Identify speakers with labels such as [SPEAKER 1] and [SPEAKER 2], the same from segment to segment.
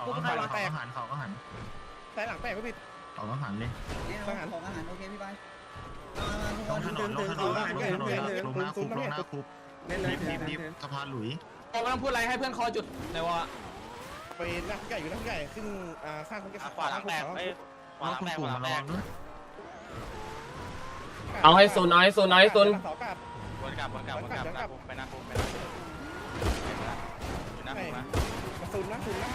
[SPEAKER 1] เขาก็หันเขาก็หันเขาก็หัน
[SPEAKER 2] แต่หลังแตกไม่ผิด
[SPEAKER 1] เขาก็หันเลย
[SPEAKER 3] ของอาหารโอเคพี่ไป
[SPEAKER 1] ลงถนนลงถนนลงถนนลงหน้าคุกลงหน้าคุกรีบสะพานหลุย
[SPEAKER 4] ไม่ต้องพูดอะไรให้เพื่อนคอจุดในวอ
[SPEAKER 2] ไปนักใหญ่อยู่นักใหญ่ขึ้นข้างคนแก่
[SPEAKER 5] ขวาหลังแตกขวาหลังแตกขวาหลังแตก
[SPEAKER 4] เอาให้โซนเอาให้โซนเอาให้โซน
[SPEAKER 2] เสากลับ
[SPEAKER 5] วนกลับหน้าคุกไปหน้าคุกอยู่หน้าคุกนะ
[SPEAKER 2] มาซูนนะซูนนะ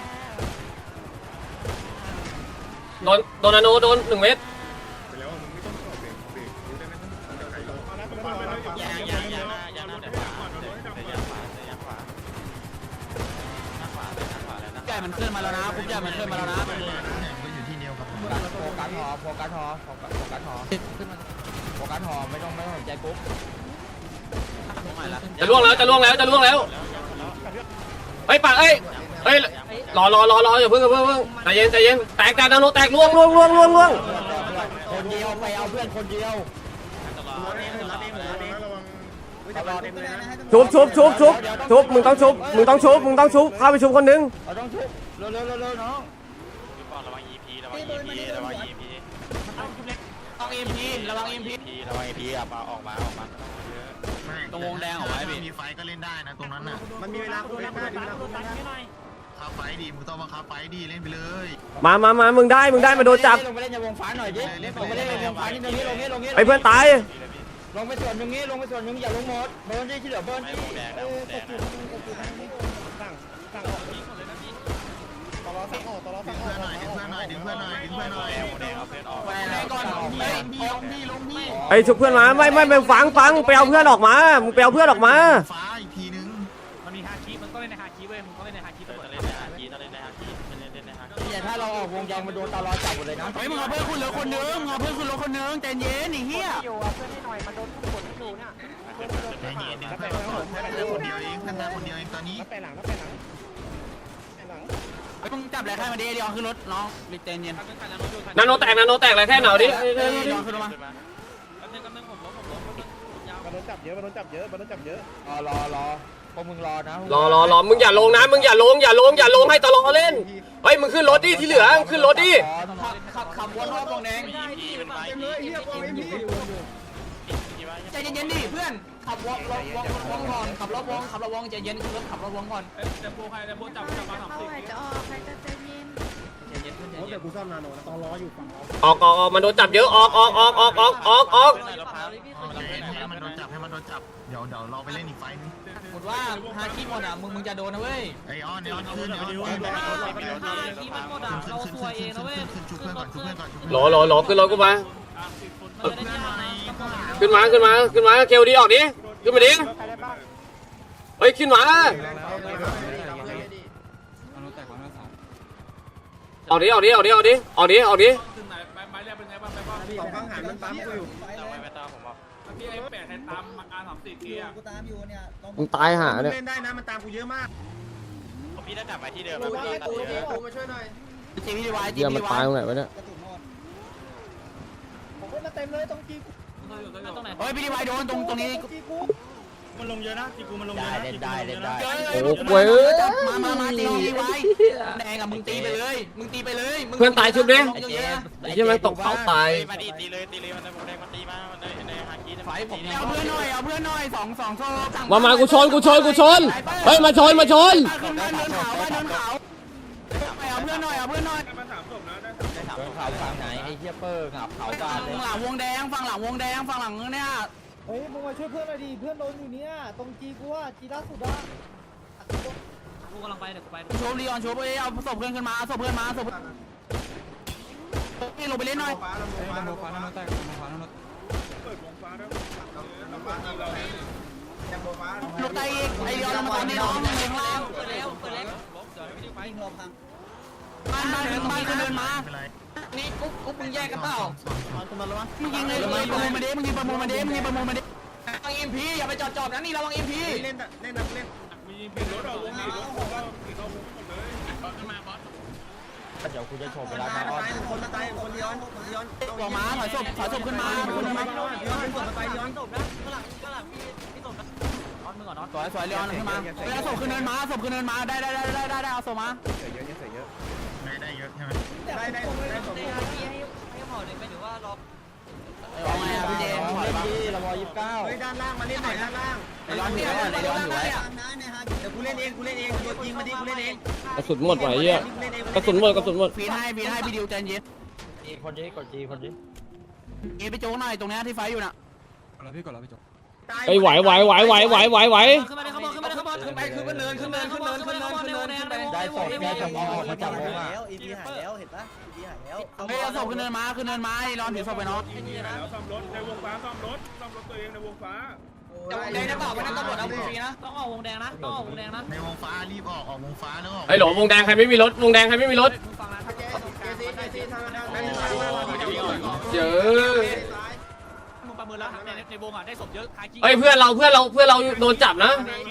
[SPEAKER 4] โดนนาโนโดน1 เมตร
[SPEAKER 5] ยางหน้าเดี๋ยวขวาหน้าขวาแล้วนะ
[SPEAKER 4] ใหญ่มันเคลื่อนมาแล้วนะคุกใหญ่มันเคลื่อนมาแล้วนะ
[SPEAKER 1] ก็อยู่ที่เดียวครับ
[SPEAKER 4] โฟกัสหอไม่ต้องสนใจกุ๊บจะล่วงแล้วเฮ้ยปากเฮ้ยรออย่าเพิ่งใจเย็นแตกนาโนแตกล่วงคนเดียวไปเอาเพื่อนคนเดียวชุบมึงต้องชุบเข้าไปชุบคนนึงต้องชุบเร็วน้อง
[SPEAKER 5] ระวัง EP ระวัง EP ระวัง EP อ่ะมาออกมาตรงวงแดงออกมา
[SPEAKER 1] มีไฟก็เล่นได้นะตรงนั้นน่ะ
[SPEAKER 2] มันมีเวลาคุณได้ไหม
[SPEAKER 1] คาไฟดีมึงต้องมาคาไฟดีเล่นไปเลย
[SPEAKER 4] มามึงได้มาโดนจับ
[SPEAKER 6] ลงไปเล่นในวงฟ้าหน่อยดิลงไปเล่นในวงฟ้านี่ตรงนี้
[SPEAKER 4] ไอ้เพื่อนตาย
[SPEAKER 6] ลงไปส่วนตรงนี้อย่าลงหมดเบิร์นที่เหลือเบิร์น
[SPEAKER 5] ไม่วงแดงนะวงแดงนะ
[SPEAKER 2] สั่งตลอดสั่งออกตลอด
[SPEAKER 1] ดึ
[SPEAKER 2] สั่
[SPEAKER 1] ง
[SPEAKER 2] งอ
[SPEAKER 1] เพื่
[SPEAKER 2] อ
[SPEAKER 1] อนหน่อยดึงเพื่อนหน่อย
[SPEAKER 5] แดงเอาเพื่อนออก
[SPEAKER 4] ไปก่อน
[SPEAKER 1] ลงพี่
[SPEAKER 4] ไอ้ชุบเพื่อนมาไม่ฟังไปเอาเพื่อนออกมามึงไปเอาเพื่อนออกมา
[SPEAKER 1] ฟ้าอีกทีนึง
[SPEAKER 7] มันมีฮาคิมันต้องเล่นในฮาคิเว้ยมึงต้องเล่นในฮาคิตำรวจ
[SPEAKER 5] เล่นในฮาคีเล่นในฮาคีเล่นในฮาคี
[SPEAKER 6] เนี่ยถ้าเราออกวงแดงมาโดนตลอดจับหมดเลยนะ
[SPEAKER 4] เฮ้ยมึงเอาเพื่อนคุณเหลือคนนึงใจเย็นไอ้เหี้ย
[SPEAKER 7] อยู่เอาเพื่อนให้หน่อยมันโดนกดอยู่เนี่ย
[SPEAKER 1] ใจเย็นนะคนเดียวเองขึ้นมาคนเดียวเองตอนนี้
[SPEAKER 2] นับไปหลัง
[SPEAKER 4] มึงจับอะไรใครมาดิเดี๋ยวขึ้นรถน้องรีบใจเย็นนาโนแตกอะไรแค่หนาวดิขึ้นมา
[SPEAKER 2] มันโดนจับเยอะร
[SPEAKER 6] อพวกมึงรอนะ
[SPEAKER 4] รอมึงอย่าลงนะอย่าลงให้ตลอดเล่นเฮ้ยมึงขึ้นรถดิที่เหลือขึ้นรถดิ
[SPEAKER 6] ขับวนรอบวงแดง
[SPEAKER 5] มันไป
[SPEAKER 4] ใจเย็นดิเพื่อนขับวงก่อนขับรถวงใจเย็นขึ้นรถขับรถวงก่อน
[SPEAKER 7] แต่โบใครแต่โบจับมาทำสิ่ง
[SPEAKER 8] จะออกใครจะใจเย็น
[SPEAKER 2] เดี๋ยวกูซ่อมนาโนนะต้องรออยู่ฝั่งเรา
[SPEAKER 4] ออกมันโดนจับเยอะออก
[SPEAKER 1] ให้มันโดนจับเดี๋ยวเราไปเล่นอีกไฟนึง
[SPEAKER 4] หมดว่าฮาคิหมดอ่ะมึงจะโดนนะเว้ย
[SPEAKER 1] ไอออนขึ้น
[SPEAKER 7] ฮาคิมันหมดอ่ะเราซวยเองนะเว้ย
[SPEAKER 1] ชุบเพื่อนก่อน
[SPEAKER 4] รอขึ้นรถกูมาขึ้นมาเกลดีออกดิขึ้นมาดิเฮ้ยขึ้นมาออกดิ
[SPEAKER 7] ถึงไหนไม้เรียกเป็นไงบ้างไปบ้าง
[SPEAKER 2] สองข้างหันมันปั๊มกูอยู่
[SPEAKER 5] ไม่ตามผมบอก
[SPEAKER 7] พี่ไอ้แปดแทนตามR34เกียร์
[SPEAKER 3] กูตามอยู่เนี่ย
[SPEAKER 4] มึงตายหาเนี่ย
[SPEAKER 2] เล่นได้นะมันตามกูเยอะมาก
[SPEAKER 5] พี่ต้องกลับมาที่เดิม
[SPEAKER 2] มาช่วยหน่อย
[SPEAKER 4] จีพีดีวายมันตายตรงไหนวะเนี่ย
[SPEAKER 3] กระสุนหมด
[SPEAKER 2] ผมก็มาเต็มเลยตรงจีกู
[SPEAKER 7] ตรงไหน
[SPEAKER 4] เฮ้ยพีดีวายโดนตรงนี้
[SPEAKER 2] จีกู
[SPEAKER 7] มันลงเยอะนะที่กูมันลงเย
[SPEAKER 6] ได้
[SPEAKER 7] อะ
[SPEAKER 6] เล่นได้
[SPEAKER 4] โอ้โหมาตีไว้แดงอ่ะมึงตีไปเลยเพื่อนตายชุบดิไอ้ที่มันตกเขาตาย
[SPEAKER 5] มาตีเลยมันได้ผมแดงมันตีมามันในฮาคีไฟผม
[SPEAKER 4] เอาเพื่อนหน่อย2โซ่มากูชนเฮ้ยมาชน
[SPEAKER 6] เ
[SPEAKER 4] ขึ้น
[SPEAKER 6] ดิน
[SPEAKER 4] เนินเขาเพื่อนหน่อย
[SPEAKER 7] มัน3ศพนะได้
[SPEAKER 6] เขาฝั่งไหนไอ้เหี้ยเปอร์ขับเขาบ้านเลย
[SPEAKER 4] ฝั่งหลังวงแดงฝั่งหลังเนี่ย
[SPEAKER 2] เฮ้ยมึงมาช่วยเพื่อนหน่อยดิเพื่อนโดนอยู่เนี่ยตรงจีกูอ่ะจีล่าสุดอ่ะ
[SPEAKER 7] กูกำลังไปเดี๋ยวกูไป
[SPEAKER 4] โชว์ลีออนโชว์เอาศพเพื่อนขึ้นมาลงไปเล่นหน่อย รถไตอีกไอเดียวเรามาตอนนี้น้องข้างล่าง
[SPEAKER 7] เปิดแล้ว
[SPEAKER 3] วิ่งรอบพัง
[SPEAKER 4] บ้านเดินมานี่กุ๊บมึงแยกกันเปล่ามึงยิงเลยประมูลมาดิมึงยิงประมูลมาดิระวังอิมพีอย่าไปจอดนะนี่ระวังอิมพี
[SPEAKER 2] เล่น
[SPEAKER 7] มีเป็นรถออกวงรถออกก็ติดเอาวงหมดเลยขึ้นมาบอส
[SPEAKER 6] เดี๋ยวกูจะโชว์เวลามาออน
[SPEAKER 2] คนตายคนย้อน
[SPEAKER 4] ตัวม้าถอยศพขึ้นมา สวยเรียนขึ้นมาเอาศพขึ้นเนินมาได้เอาศพมา
[SPEAKER 2] เยอะ
[SPEAKER 1] ด้านล่างมาเล่นหน่อยด้านล่าง
[SPEAKER 4] ไอ้ร้อนถือไว้ไอ้ร้อนถือไว้
[SPEAKER 3] ทางนั้นนะฮะ
[SPEAKER 1] เดี๋ยวกูเล่นเองโดนยิงมาดิกูเล่นเอง
[SPEAKER 2] กระสุนหมดไหวเหี้ยกระสุนหมด
[SPEAKER 4] ฟีนให้พี่ดิวใจเย็น
[SPEAKER 6] จีคนนี้กดจีคนนี้
[SPEAKER 4] เอไปโจ๊กหน่อยตรงนี้ที่ไฟอยู่น่ะ
[SPEAKER 2] ไอ้ไหว
[SPEAKER 4] ขึ้นมาดิขึ้นมาไปขึ้นเนิน
[SPEAKER 6] ได้ศพออกมาจากวงอ่ะ
[SPEAKER 3] แล้วอีพีหายแล้วเห็นปะอีพีหายแล้ว
[SPEAKER 4] เฮ้ยเอาศพขึ้นเนินมาไอ้ร้อนถือศพไปเนาะ
[SPEAKER 7] แล้วซ่อมรถในวงฟ้าซ่อมรถตัวเองในวงฟ้า
[SPEAKER 4] แดงนะเปล่าวันนั้นตำรวจเอาฟรีนะต้องออกวงแดงนะ
[SPEAKER 1] ในวงฟ้ารีบออกวงฟ้าแล้ว
[SPEAKER 2] ไอ้หลงวงแดงใครไม่มีรถวงแดงใครไม่มีรถเจอ
[SPEAKER 4] มึงประเมินแล้วในวงอ่ะได้ศพเยอะ
[SPEAKER 2] เอ้ยเพื่อนเราโดนจับนะ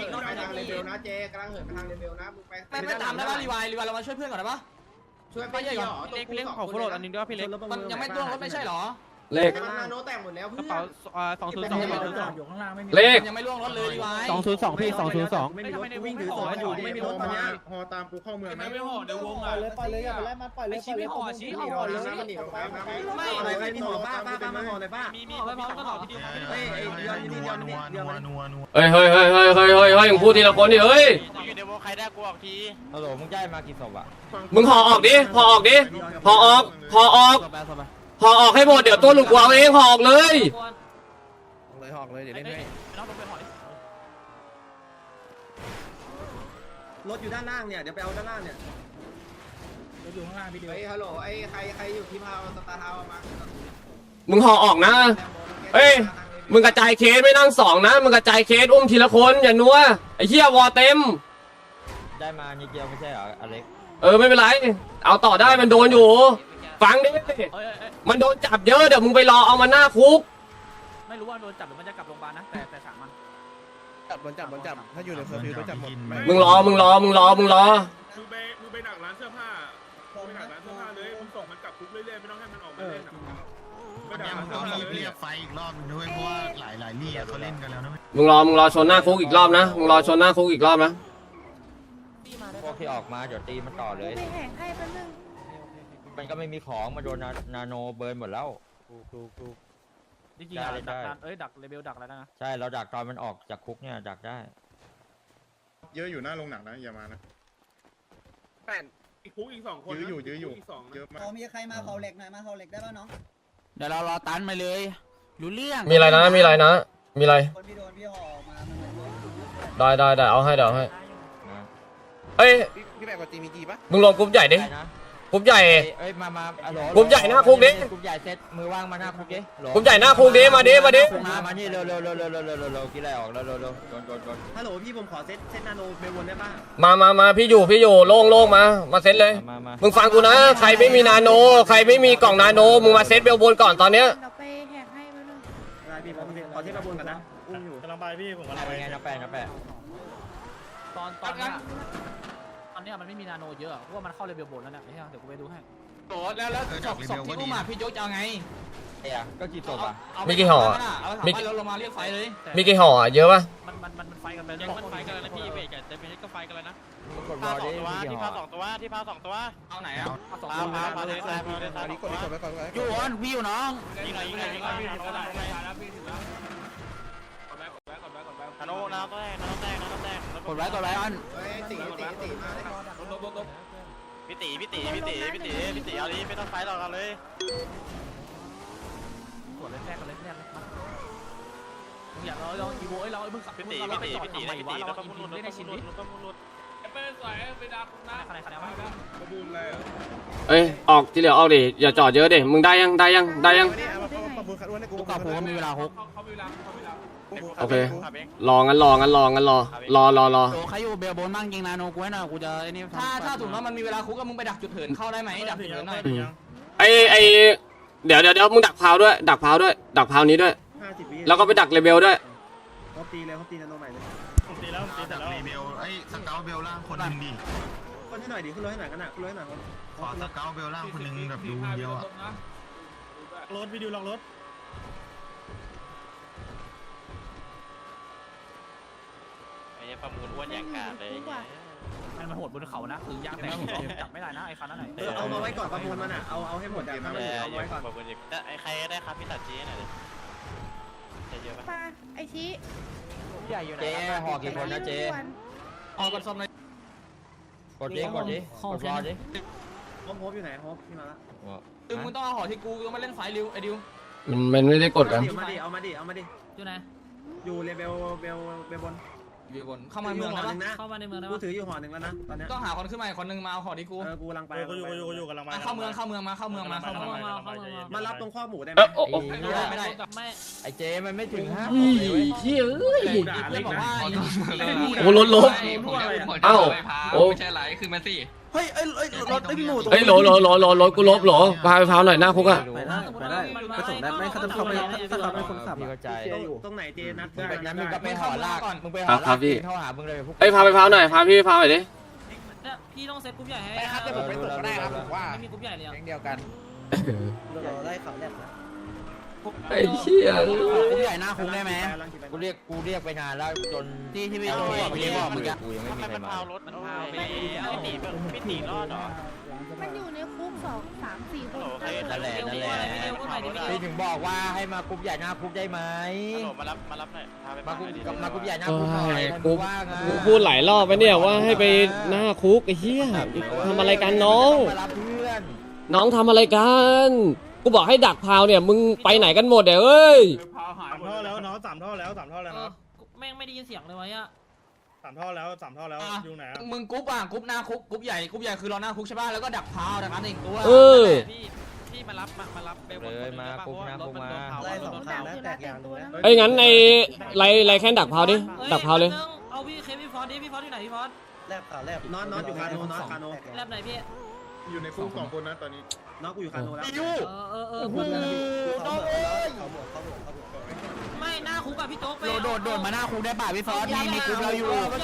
[SPEAKER 4] ไม่ตามได้ป่ะรีวายเรามาช่วยเพื่อนก่อนได้ป่ะช่วยไปใหญ่ก่อน
[SPEAKER 5] เล่นของโคโรดอันนี้ด้วยพี่เล็ก
[SPEAKER 4] มันยังไม่ต้วงรถไม่ใช่หรอ
[SPEAKER 2] เลข
[SPEAKER 5] กระเป๋า202อยู่ข้างล่างไม่มี
[SPEAKER 2] เลข
[SPEAKER 4] ยังไม่ล่วงรถเลยรีวาย
[SPEAKER 6] 202พี่202
[SPEAKER 1] ไม่มีรถวิ่งถือศพอยู่ไม่มีรถตอนนี้ฮอตามกูเข้าเมือง
[SPEAKER 7] ไม่ห่อในวงอ่ะ
[SPEAKER 6] ปล่อยเลยอย่าไปไล่มันปล่อยเลย
[SPEAKER 4] ชี้ไม่ห่อชี้ห่อเลย
[SPEAKER 1] ไม่อะไรไม่มีห่อป้ามาห่อเลยป้า
[SPEAKER 4] มีห่อไม่พอก็ห่อทีเดียว
[SPEAKER 1] เฮ้ยเดือนนัว
[SPEAKER 2] เฮ้ยมึงพูดทีละคนดิเฮ้ย
[SPEAKER 5] อยู่ในวงใครได้กูออกที
[SPEAKER 6] ฮัลโหลมึงได้มากี่ศพอ่ะ
[SPEAKER 2] มึงห่อออกดิห่อออกให้หมดเดี๋ยวตัวลุงกูเอาเองห่อออกเลย
[SPEAKER 1] เลยหอกเลยเดี๋ยวเล่นให้รถอยู่ด้านล่างเนี่ยเดี๋ยวไปเอาด้านล่างเนี่ย
[SPEAKER 5] อยู่ข้างล่างพี่เดียว
[SPEAKER 1] ฮัลโหลไอ้ใครอยู่ที่พาวสตาร์ทาวมา
[SPEAKER 2] มึงห่อออกนะเอ้ยมึงกระจายเคสไม่นั่งสองนะมึงกระจายเคสอุ้มทีละคนอย่านัวไอ้เหี้ยวอเต็ม
[SPEAKER 6] ได้มานิดเดียวไม่ใช่เหรออเล็ก
[SPEAKER 2] ไม่เป็นไรเอาต่อได้มันโดนอยู่ฟังดิมันโดนจับเยอะเดี๋ยวมึงไปรอเอามันหน้าคุก
[SPEAKER 4] ไม่รู้ว่าโดนจับหรือมันจะกลับโรงพยาบาลนะแต่สั่งมัน
[SPEAKER 1] จับถ้าอยู่ในเคอร์ฟิวโดนจับหมด
[SPEAKER 2] มึงรอ
[SPEAKER 7] มึงไปดักร้านเสื้อผ้าไปดักร้านเสื้อผ้าเลยมึงส่งมันกลับคุกเรื่อยๆไม่ต้องให้มันออกมาเล่นไปดักร้านเสื้อผ้าเลย
[SPEAKER 1] เรียกไฟอีกรอบนึงด้วยเพราะว่าหลายลี่เขาเล่นกันแล้วนะ
[SPEAKER 2] มึงรอชนหน้าคุกอีกรอบนะมึงรอชนหน้าคุกอีกรอบนะ
[SPEAKER 6] พวกที่ออกมาเดี๋ยวตีมันต่อเลยมันก็ไม่มีของมาโดนนาโนเบิร์นหมดแล้วถูก
[SPEAKER 4] จริงๆดักเลเวลดักแล้วนะ
[SPEAKER 6] ใช่เราดักตอนมันออกจากคุกเนี่ยดักได้
[SPEAKER 8] เยอะอยู่หน้าโรงหนังนะอย่ามานะ
[SPEAKER 7] อีกคุกอีก2 คน
[SPEAKER 8] ยื้ออยู่
[SPEAKER 7] อีก2
[SPEAKER 8] เยอะมาก
[SPEAKER 3] พอมีใครมาเขาเหล็กหน่อยมาเขาเหล็กได้ป่ะน้อง
[SPEAKER 4] เดี๋ยวเรารอตันมาเลยรู้เรื่อง
[SPEAKER 2] มีอะไรนะมีอะไร
[SPEAKER 3] คนพี่โดนพี่ห่อมา
[SPEAKER 2] ได้เอาให้
[SPEAKER 6] นะ
[SPEAKER 2] เอ้ย
[SPEAKER 1] พี่แบบกับจีมีจีปะ
[SPEAKER 2] มึงลงกรุ๊ปใหญ่ดิ
[SPEAKER 6] ได้นะ
[SPEAKER 2] กรุ๊ปใหญ่
[SPEAKER 6] เอ้ยมาฮัลโหล
[SPEAKER 2] กรุ๊ปใหญ่หน้าคุกดิ
[SPEAKER 6] กรุ๊ปใหญ่เซตมือว่างมาหน้าคุกดิโหล
[SPEAKER 2] กรุ๊ปใหญ่หน้าคุกดิมาดิ
[SPEAKER 6] มานี่เร็วกินอะไรออกเร็วโดน
[SPEAKER 1] ฮัลโหลพี่ผมขอเซตนาโนเบลวนได้ป่ะ
[SPEAKER 2] มาพี่อยู่โล่งมาเซ็ตเลย
[SPEAKER 6] มา
[SPEAKER 2] มึงฟังกูนะใครไม่มีนาโนใครไม่มีกล่องนาโนมึงมาเซ็ตเบลบนก่อนตอนเนี้ย
[SPEAKER 9] เราไปแหกให้ไปเลย
[SPEAKER 1] ได้พี่ผมขอเซตเบลบนก่อนนะอุ้มอยู่
[SPEAKER 7] กำลังไปพี่ผมกำลัง
[SPEAKER 6] ไป
[SPEAKER 7] ไป
[SPEAKER 6] ไงนะแปะ
[SPEAKER 4] ตอนนี้มันไม่มีนาโนเยอะเพราะว่ามันเข้าเลเวลบนแล้วเนี่ยเดี๋ยวกูไปดูให้โหแล้วศพที่อุ้มอ่ะพี่ยกจะเอาไง
[SPEAKER 6] เอ้ยก็กี่ศพอ่ะ
[SPEAKER 2] มีกี่ห่อ
[SPEAKER 4] มีเราลงมาเรียกไฟเลย
[SPEAKER 2] มีกี่ห่อเยอะปะ
[SPEAKER 4] มันไฟกันไป
[SPEAKER 5] ยังมันไฟกันแล้วนะพี่เบรกแต่เป็นก็ไฟกันแล้วนะ
[SPEAKER 6] กดบอลดิ
[SPEAKER 5] ที่พา2 ตัว
[SPEAKER 4] เอาไหนอ่ะเอาสอง
[SPEAKER 5] พาเลยซ้ายพาเลยซ้าย
[SPEAKER 1] กดไว้ก่อน
[SPEAKER 4] อยู่อ่อนพี่อยู่น้อง
[SPEAKER 5] ยิงหน่อยธนูน้ำแตก
[SPEAKER 4] กดไว้อ่อน
[SPEAKER 1] ตีมาเลย
[SPEAKER 5] พี่ตีเอาดิไม่ต้องไฟหรอกเอาเลย
[SPEAKER 4] กดเลยแทรกกันเลยมึงอยากเราอีโวเรามึงขับ
[SPEAKER 5] พี่ตี
[SPEAKER 4] เราไปจอด
[SPEAKER 5] แล้ว
[SPEAKER 4] ทำไมวะ
[SPEAKER 5] ก็
[SPEAKER 4] เรา
[SPEAKER 5] มุ
[SPEAKER 4] อิ
[SPEAKER 5] น
[SPEAKER 4] นเล่นในชิ้นนี้
[SPEAKER 7] ไปใส่ไปดักนะ
[SPEAKER 4] ใครมา
[SPEAKER 7] ประมูลเลย
[SPEAKER 2] เอ้ยออกที่เหลือออกดิอย่าจอดเยอะดิมึงได้ยัง
[SPEAKER 1] ประมูลคัดอ้วนให้กู
[SPEAKER 4] กูกับผมมีเวลา6
[SPEAKER 7] เขามีเวลา
[SPEAKER 2] โอเครองั้นรอ
[SPEAKER 4] โใครอยู่เบลบนบ้างยิงนาโนกูให้หน่อยกูจะไอ้นี่ถ้าถูกแล้วมันมีเวลาคุกก็มึงไปดักจุดเถินเข้าได้ไหมดักจุดเถินหน่อย
[SPEAKER 2] ไอเดี๋ยวมึงดักพาวด้วยดักพาวนี้ด้วย
[SPEAKER 1] 50 วิ
[SPEAKER 2] แล้วก็ไปดักเลเบลด้วย
[SPEAKER 1] เขาตีนาโนใหม่เลย
[SPEAKER 7] ตีแล้ว
[SPEAKER 1] เบลไอ้สเกลเบลล่างคนนึงดิคนให้หน่อยดิขึ้นรถให้หน่อยกันนะขึ้นรถให้หน่อยขอสเกลเบลล่างคนนึงแบบดูเดียวอ่ะ
[SPEAKER 7] รถวิดีโอลองรถ
[SPEAKER 5] ไอ้ประมูลอ้วนอย่างกาดเลย
[SPEAKER 4] มันโหดบนเขานะคือยากแต่จับไม่ได้นะไอ้คันนั้นไหน
[SPEAKER 1] เอามาไว้ก่อนประมูลมันอ่ะเอาให้หมดเดี๋ยวเอาไว้ก่อน
[SPEAKER 5] ประมูลอีกไอ้ใครได้ครับพี่ตัดจีหน่อย
[SPEAKER 9] ปาไอชี้
[SPEAKER 5] ใหญ่อยู่ไหน
[SPEAKER 6] เจ๊ห่อกี่คนนะเจ๊
[SPEAKER 4] ออกกันซ่อมเลย
[SPEAKER 6] กดดิกดดิกดรอดิ
[SPEAKER 3] โฮปอยู่ไหนโฮปพี่มาละ
[SPEAKER 4] ดึงมึงต้องเอาห่อที่กูต้องมาเล่นสายริวไอ้ดิว
[SPEAKER 2] มันไม่ได้กดกัน
[SPEAKER 3] เอามาดิเอามาดิเอามาดิ
[SPEAKER 4] อยู่ไหน
[SPEAKER 3] อยู่เลเวลบน
[SPEAKER 4] อยู่บนเข้ามาเมือง
[SPEAKER 3] ห่อ
[SPEAKER 4] แล้ว
[SPEAKER 3] หนึ่งนะ
[SPEAKER 4] เข้ามาในเมืองแล้ว
[SPEAKER 3] กูถืออยู่ห่อหนึ่งแล้วนะตอนเนี้ย
[SPEAKER 4] ต้องหาคนขึ้นมาอีกคนนึงมาเอาห่อที่กู
[SPEAKER 3] กูกำลังไป
[SPEAKER 8] อยู่กำลังมา
[SPEAKER 4] เข้าเมืองมาเข้าเมืองมา
[SPEAKER 3] มารับตรงข้อหมูได้ไหม
[SPEAKER 2] โอ้โอ้
[SPEAKER 4] ไม่ได้
[SPEAKER 6] ไอ้เจ๊มันไม่ถึง5
[SPEAKER 2] เฮ้ยเฮ้ย
[SPEAKER 4] เพื่อนบอกว่า
[SPEAKER 2] โอ้รถเอ้าโอ้
[SPEAKER 5] ไม่ใช่ไรคือมันสิ
[SPEAKER 3] เฮ้ยรถไอ้หมู
[SPEAKER 2] เฮ้ยโหลกูลบโหลพาไปพาวหน่อยหน้าคุกอะ
[SPEAKER 3] ไปได้ไปส่งได้ไหมเขาจะเข้าไปถ้าเขาเป็นคนขับ
[SPEAKER 6] พี่เข้าใจ
[SPEAKER 3] ตรงไหนเจนัด
[SPEAKER 6] งั้นมึงก็ไปห่อลากมึงไปห่อลากเข้าหามึงเลยพวก
[SPEAKER 2] เฮ้ยพาไปพาวหน่อยพาพี่พาวหน่อยดิ
[SPEAKER 4] พี่ต้องเซตกรุ๊ปใหญ่ให้
[SPEAKER 5] ไปครับเดี๋ยวผมไปส่งก็ได้ครับผมว่า
[SPEAKER 4] ไม่มีกรุ๊ปใหญ่เลย
[SPEAKER 5] แก๊งเดียวกัน
[SPEAKER 3] เราไล่เขาแรกนะ
[SPEAKER 2] ไอ้เชี่ย
[SPEAKER 4] กรุ๊ปใหญ่หน้าคุกได้ไหม
[SPEAKER 6] กูเรียกไปนานแล้วจน
[SPEAKER 4] ที่พี่บอกเมื่อกี้
[SPEAKER 6] กูยังไม่มีใครมา
[SPEAKER 5] มันพาวไปไม่หนีรอดหรอ
[SPEAKER 9] มันอยู่ในคุก2-3-4 คน
[SPEAKER 6] นั่นแหละพี่ถึงบอกว่าให้มากรุ๊ปใหญ่หน้าคุกได้ไหม
[SPEAKER 5] มารับหน่อยพาไป
[SPEAKER 6] มากรุ๊ปใหญ่หน้าคุกหน่อย
[SPEAKER 2] กู
[SPEAKER 6] ว่าไง
[SPEAKER 2] พูดหลายรอบไปเนี่ยว่าให้ไปหน้าคุกไอ้เหี้ยทำอะไรกันน้อง
[SPEAKER 6] มารับเพื่อน
[SPEAKER 2] น้องทำอะไรกันกูบอกให้ดักพาวเนี่ยมึงไปไหนกันหมดเอ้ย
[SPEAKER 8] 3 ท่อแล้วเนาะ3 ท่อแล้ว3 ท่อแล้วเนาะ
[SPEAKER 4] แม่งไม่ได้ยินเสียงเลยวะ
[SPEAKER 8] 3 ท่อแล้ว3 ท่อแล้วอยู่ไหน
[SPEAKER 4] มึงกรุ๊ปกรุ๊ปหน้าคุกกรุ๊ปใหญ่คือรอหน้าคุกใช่ป่ะแล้วก็ดักพาวนะครับอีกตัว
[SPEAKER 2] เออ
[SPEAKER 5] พี่มารับเบล
[SPEAKER 6] เลยมากรุ๊ปหน้าคุกมา
[SPEAKER 3] ไล่สองทางแล้วแตกอย่างนึงแล้ว
[SPEAKER 2] ไอ้ยงั้นไอ้ไรแค่ดักพาวดิดักพาวเลย
[SPEAKER 4] เอาพี่เคพี่ฟอสดิพี่ฟอสอยู่ไหนพี่ฟอส
[SPEAKER 3] แลบข่าวแลบนอนอยู่คาโนนอนคาโน
[SPEAKER 4] แลบไหนพี่
[SPEAKER 8] อยู่ในคุก2 คนนะตอนนี้
[SPEAKER 3] นอนกูอยู่คาโนแล้ว เขาบวก
[SPEAKER 4] ไม่หน้าคุกอะพี่โจ๊กไป
[SPEAKER 5] โดดมาหน้าคุกได้ป่ะพี่ฟอสมีกรุ๊ปเราอยู่